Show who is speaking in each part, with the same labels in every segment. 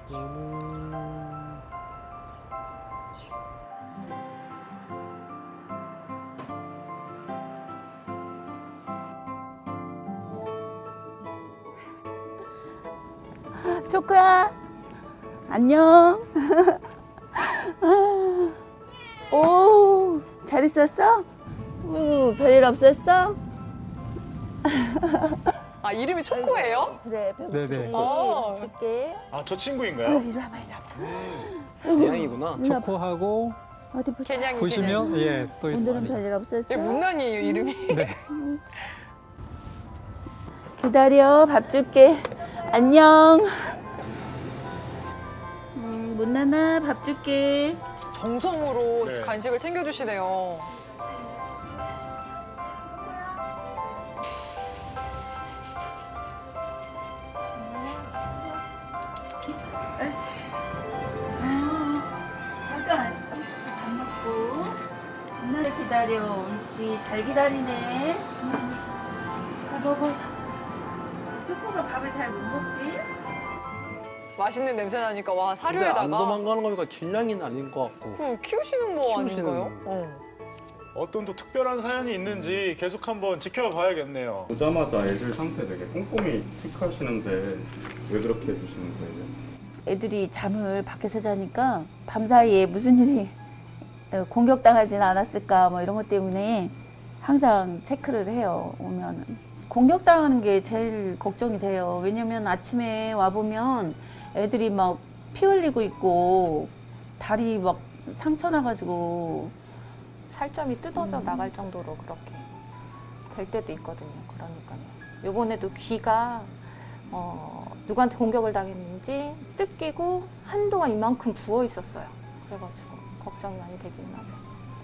Speaker 1: 초코야, 안녕. 오, 잘 있었어? 별일 없었어?
Speaker 2: 아, 이름이 초코예요?
Speaker 1: 그래,
Speaker 3: 네네.
Speaker 1: 배고프지?
Speaker 2: 어.
Speaker 1: 줄게.
Speaker 4: 아, 저 친구인가요?
Speaker 1: 이리 와봐, 이리 와봐.
Speaker 5: 대양이구나.
Speaker 1: 이리 와봐.
Speaker 3: 초코하고
Speaker 1: 어디 보자.
Speaker 2: 개냥이.
Speaker 3: 보시면 예, 또
Speaker 1: 오늘은
Speaker 3: 있습니다.
Speaker 1: 별일 없었어?
Speaker 2: 얘 문난이에요, 이름이.
Speaker 1: 기다려, 밥 줄게. 안녕. 문나나, 밥 줄게.
Speaker 2: 정성으로
Speaker 4: 네.
Speaker 2: 간식을 챙겨주시네요.
Speaker 1: 잠깐. 밥 먹고. 문나를 기다려. 옳지. 잘 기다리네. 자, 먹어. 초코가 밥을 잘 못 먹지?
Speaker 2: 맛있는 냄새 나니까 와
Speaker 5: 근데
Speaker 2: 사료에다가
Speaker 5: 안 도망가는 거니까 길냥이는 아닌 것 같고.
Speaker 2: 키우시는 거
Speaker 5: 키우시는
Speaker 2: 아닌가요?
Speaker 4: 어떤 또 특별한 사연이 있는지 계속 한번 지켜봐야겠네요.
Speaker 6: 오자마자 애들 상태 되게 꼼꼼히 체크하시는데 왜 그렇게 해주시는 거예요?
Speaker 1: 애들이 잠을 밖에서 자니까 밤사이에 무슨 일이 공격당하진 않았을까 뭐 이런 것 때문에 항상 체크를 해요. 오면은 공격당하는 게 제일 걱정이 돼요. 왜냐면 아침에 와 보면 애들이 막 피 흘리고 있고 다리 막 상처 나가지고
Speaker 7: 살점이 뜯어져 나갈 정도로 그렇게 될 때도 있거든요. 그러니까요. 요번에도 귀가 누구한테 공격을 당했는지 뜯기고 한동안 이만큼 부어 있었어요. 그래가지고 걱정이 많이 되긴 하죠.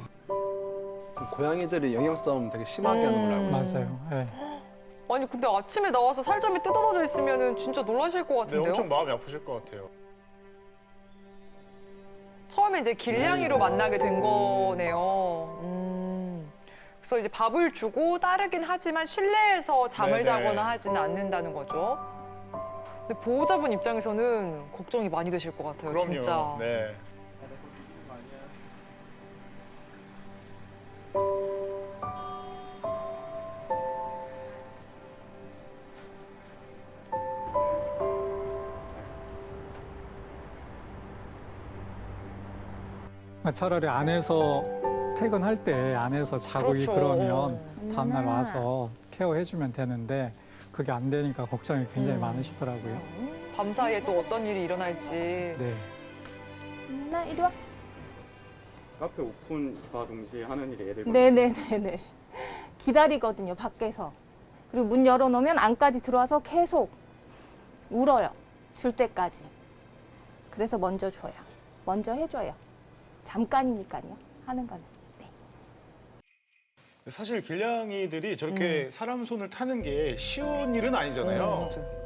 Speaker 5: 고양이들이 영양 싸움 되게 심하게 하는 걸로 알고 있어요.
Speaker 3: 맞아요. 예.
Speaker 2: 아니 근데 아침에 나와서 살점이 뜯어져 있으면 진짜 놀라실 것
Speaker 4: 네,
Speaker 2: 같은데요?
Speaker 4: 엄청 마음이 아프실 것 같아요.
Speaker 2: 처음에 이제 길냥이로 만나게 된 거네요. 그래서 이제 밥을 주고 따르긴 하지만 실내에서 잠을
Speaker 4: 네네.
Speaker 2: 자거나 하지는 않는다는 거죠. 근데 보호자분 입장에서는 걱정이 많이 되실 것 같아요,
Speaker 4: 그럼요.
Speaker 2: 진짜.
Speaker 4: 네.
Speaker 3: 차라리 안에서 퇴근할 때 안에서 자고
Speaker 2: 그렇죠.
Speaker 3: 그러면 다음날 와서 케어해주면 되는데 그게 안 되니까 걱정이 굉장히 많으시더라고요.
Speaker 2: 밤사이에 또 어떤 일이 일어날지.
Speaker 3: 네.
Speaker 7: 나 이리 와.
Speaker 6: 카페 오픈과 동시에 하는 일이 애들
Speaker 7: 네네네네. 기다리거든요, 밖에서. 그리고 문 열어놓으면 안까지 들어와서 계속 울어요. 줄 때까지. 그래서 먼저 줘요. 먼저 해줘요. 잠깐이니까요, 하는 거는. 네.
Speaker 4: 사실 길냥이들이 저렇게 사람 손을 타는 게 쉬운 일은 아니잖아요.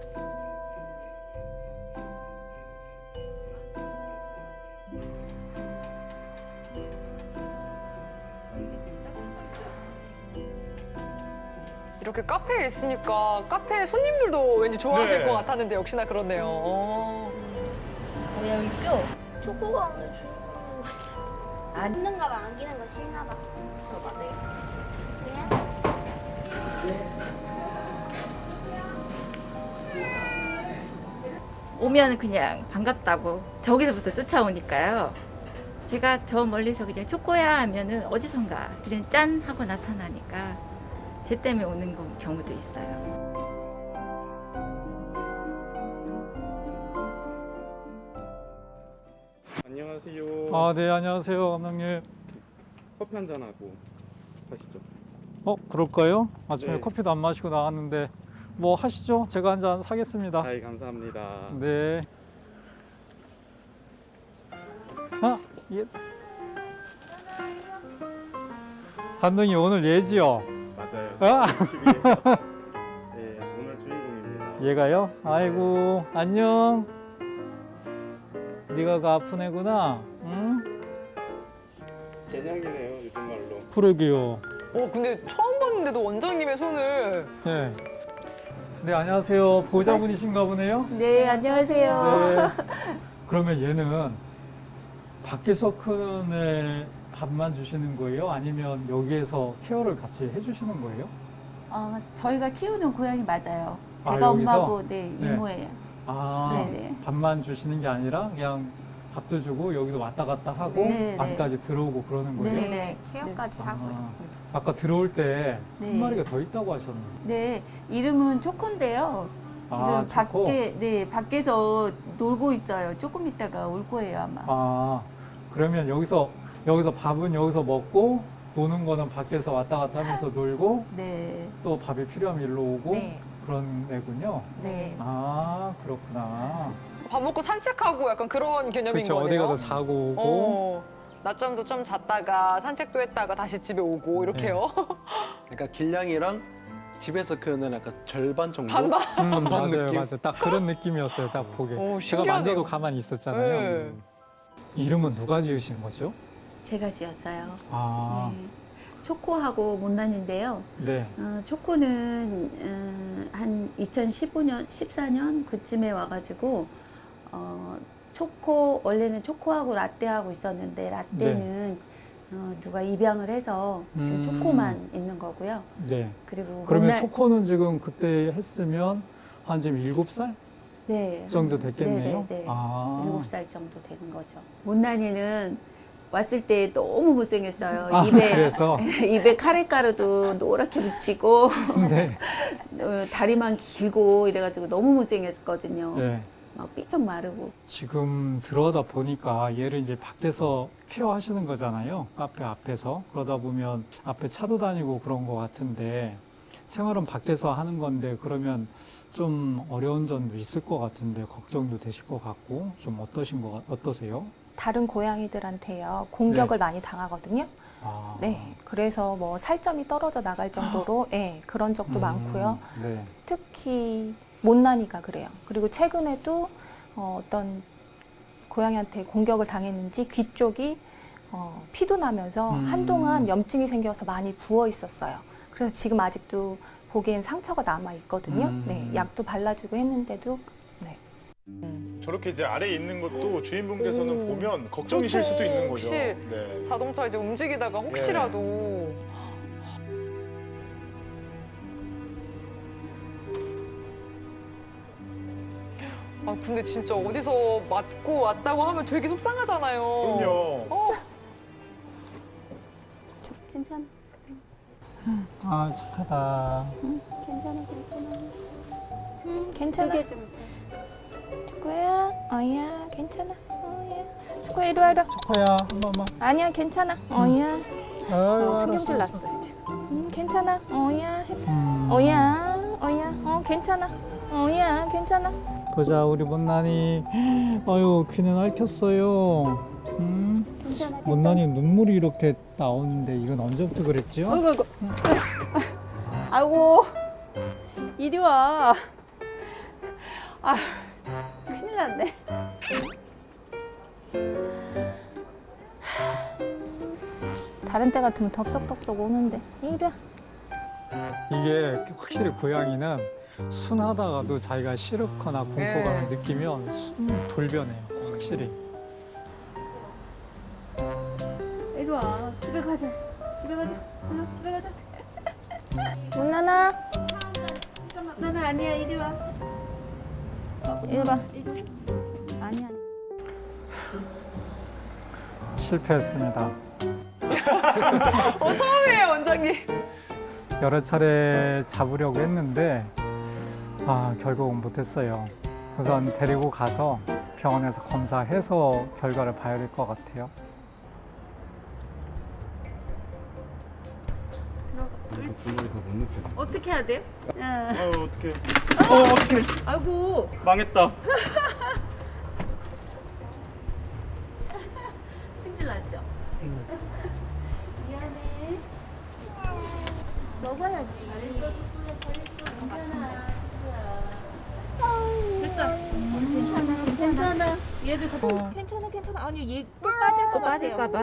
Speaker 2: 이렇게 카페에 있으니까 카페 손님들도 왠지 좋아하실
Speaker 4: 네.
Speaker 2: 것 같았는데 역시나 그렇네요.
Speaker 1: 고양이 뼈.
Speaker 8: 초코가 오늘 주는
Speaker 1: 안
Speaker 8: 힘든가 봐, 안기는 거 싫나 봐.
Speaker 1: 줘봐, 네.
Speaker 9: 오면 그냥 반갑다고 저기서부터 쫓아오니까요. 제가 저 멀리서 그냥 초코야 하면은 어디선가 그냥 짠 하고 나타나니까 쟤 때문에 오는 경우도 있어요.
Speaker 6: 안녕하세요.
Speaker 3: 아, 네, 안녕하세요, 감독님.
Speaker 6: 커피 한 잔 하고 가시죠.
Speaker 3: 그럴까요? 아침에
Speaker 6: 네.
Speaker 3: 커피도 안 마시고 나왔는데 뭐 하시죠? 제가 한 잔 사겠습니다.
Speaker 6: 아이 감사합니다.
Speaker 3: 네. 아, 예. 감독님 오늘 예지요?
Speaker 6: 맞아요.
Speaker 3: 아.
Speaker 6: 12일. 네, 오늘 주인공입니다.
Speaker 3: 얘가요? 아이고, 안녕. 네가 그 아픈 애구나. 응?
Speaker 6: 개냥이네요, 요즘 말로.
Speaker 3: 그러게요.
Speaker 2: 근데 처음 봤는데도 원장님의 손을
Speaker 3: 예. 네, 안녕하세요. 보호자분이신가 보네요.
Speaker 1: 네, 안녕하세요.
Speaker 3: 네. 그러면 얘는 밖에서 크는 애 밥만 주시는 거예요? 아니면 여기에서 케어를 같이 해주시는 거예요?
Speaker 1: 저희가 키우는 고양이 맞아요.
Speaker 3: 아,
Speaker 1: 제가
Speaker 3: 여기서?
Speaker 1: 엄마고, 네,
Speaker 3: 네.
Speaker 1: 이모예요.
Speaker 3: 아,
Speaker 1: 네네.
Speaker 3: 밥만 주시는 게 아니라 그냥 밥도 주고 여기도 왔다 갔다 하고
Speaker 1: 네네.
Speaker 3: 안까지 들어오고 그러는 거예요?
Speaker 1: 네네.
Speaker 7: 네, 케어까지 하고요.
Speaker 3: 아까 들어올 때 한
Speaker 1: 네.
Speaker 3: 마리가 더 있다고 하셨는데.
Speaker 1: 네, 이름은 초코인데요. 지금
Speaker 3: 아, 초코?
Speaker 1: 밖에서 놀고 있어요. 조금 있다가 올 거예요, 아마.
Speaker 3: 아, 그러면 여기서 밥은 여기서 먹고 노는 거는 밖에서 왔다 갔다 하면서 놀고
Speaker 1: 네.
Speaker 3: 또 밥이 필요하면 일로 오고
Speaker 7: 네.
Speaker 3: 그런 애군요.
Speaker 1: 네.
Speaker 3: 아, 그렇구나.
Speaker 2: 밥 먹고 산책하고 약간 그런 개념인
Speaker 3: 그렇죠. 어디
Speaker 2: 거네요.
Speaker 3: 가서 자고 오고.
Speaker 2: 어, 낮잠도 좀 잤다가 산책도 했다가 다시 집에 오고 이렇게요.
Speaker 5: 그러니까 길냥이랑 집에서 크는 약간 절반 정도?
Speaker 2: 반반.
Speaker 5: 반반
Speaker 3: 맞아요,
Speaker 5: 느낌?
Speaker 3: 맞아요. 딱 그런 느낌이었어요. 딱 보게.
Speaker 2: 오,
Speaker 3: 제가
Speaker 2: 신기하네요.
Speaker 3: 만져도 가만히 있었잖아요.
Speaker 2: 네.
Speaker 3: 이름은 누가 지으신 거죠?
Speaker 1: 제가 지었어요.
Speaker 3: 아,
Speaker 1: 네. 초코하고 못난인데요.
Speaker 3: 네.
Speaker 1: 초코는 한 2015년, 14년 그쯤에 와가지고 초코 원래는 초코하고 라떼하고 있었는데 라떼는 누가 입양을 해서 지금 초코만 있는 거고요.
Speaker 3: 네.
Speaker 1: 그리고
Speaker 3: 그러면 초코는 지금 그때 했으면 한 지금 7살
Speaker 1: 네,
Speaker 3: 정도 됐겠네요.
Speaker 1: 네, 네.
Speaker 3: 아.
Speaker 1: 7살 정도 되는 거죠. 못난이는 왔을 때 너무 못생겼어요.
Speaker 3: 아, 그래서?
Speaker 1: 입에 카레가루도 노랗게 묻히고
Speaker 3: 네.
Speaker 1: 다리만 길고 이래가지고 너무 못생겼거든요.
Speaker 3: 네.
Speaker 1: 막 삐쩍 마르고.
Speaker 3: 지금 들어가다 보니까 얘를 이제 밖에서 케어하시는 거잖아요. 카페 앞에서. 그러다 보면 앞에 차도 다니고 그런 것 같은데 생활은 밖에서 하는 건데 그러면 좀 어려운 점도 있을 것 같은데 걱정도 되실 것 같고 좀 어떠세요?
Speaker 7: 다른 고양이들한테요 공격을 많이 당하거든요.
Speaker 3: 아.
Speaker 7: 네, 그래서 뭐 살점이 떨어져 나갈 정도로 네, 그런 적도 많고요.
Speaker 3: 네.
Speaker 7: 특히 못난이가 그래요. 그리고 최근에도 어떤 고양이한테 공격을 당했는지 귀 쪽이 피도 나면서 한동안 염증이 생겨서 많이 부어 있었어요. 그래서 지금 아직도 보기엔 상처가 남아 있거든요. 네, 약도 발라주고 했는데도 네.
Speaker 4: 저렇게 이제 아래에 있는 것도 주인분께서는 보면 걱정이실
Speaker 2: 그렇죠.
Speaker 4: 수도 있는 거죠.
Speaker 2: 혹시
Speaker 4: 네.
Speaker 2: 자동차 이제 움직이다가 혹시라도 아 근데 진짜 어디서 맞고 왔다고 하면 되게 속상하잖아요.
Speaker 4: 그럼요.
Speaker 1: 괜찮아,
Speaker 3: 아, 착하다.
Speaker 1: 괜찮아, 괜찮아.
Speaker 7: 괜찮아.
Speaker 1: 크게 좀.
Speaker 7: 초코야, 어야, 괜찮아. 어야, 초코야 이리 와, 이리 와.
Speaker 3: 초코야, 한 번만.
Speaker 7: 아니야, 괜찮아. 어야, 너 신경질
Speaker 3: 알았어.
Speaker 7: 났어요 지금. 괜찮아. 어야,
Speaker 3: 음.
Speaker 7: 어야, 괜찮아. 어야, 괜찮아.
Speaker 3: 보자, 우리 못난이. 아유, 귀는 앓혔어요.
Speaker 1: 괜찮아,
Speaker 3: 못난이 눈물이 이렇게 나오는데 이건 언제부터 그랬죠?
Speaker 1: 아이고, 이리 와. 아, 큰일 났네.
Speaker 7: 다른 때 같으면 덥석덥석 오는데 이리 와.
Speaker 3: 이게 확실히 고양이는 순하다가도 자기가 싫거나 공포감을 느끼면 돌변해요. 확실히.
Speaker 1: 이리 와. 집에 가자. 집에 가자. 집에 가자.
Speaker 7: 문나나,
Speaker 1: 나는 아니야. 이리 와.
Speaker 7: 이리 와.
Speaker 1: 아니야.
Speaker 3: 실패했습니다.
Speaker 2: 처음이에요 원장님.
Speaker 3: 여러 차례 잡으려고 했는데 결국은 못했어요. 우선 데리고 가서 병원에서 검사해서 결과를 봐야 될 것 같아요.
Speaker 1: 어떻게 해야 돼?
Speaker 4: 어떡해.
Speaker 1: 아이고.
Speaker 4: 망했다.
Speaker 1: 승질 났죠? 미안해. 먹어야지. 괜찮아. 됐어. 괜찮아. 얘들 다
Speaker 7: 괜찮아. 아니 얘
Speaker 9: 또 빠질까봐.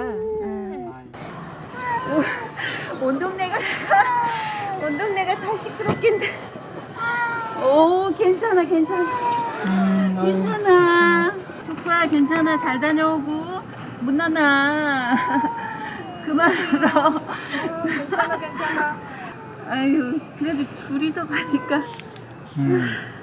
Speaker 1: 온 동네가 다 시끄럽긴데. 오, 괜찮아, 괜찮아. 조카 괜찮아. 잘 다녀오고. 문나나. 그만 울어. 괜찮아. 아유, 그래도 둘이서 가니까.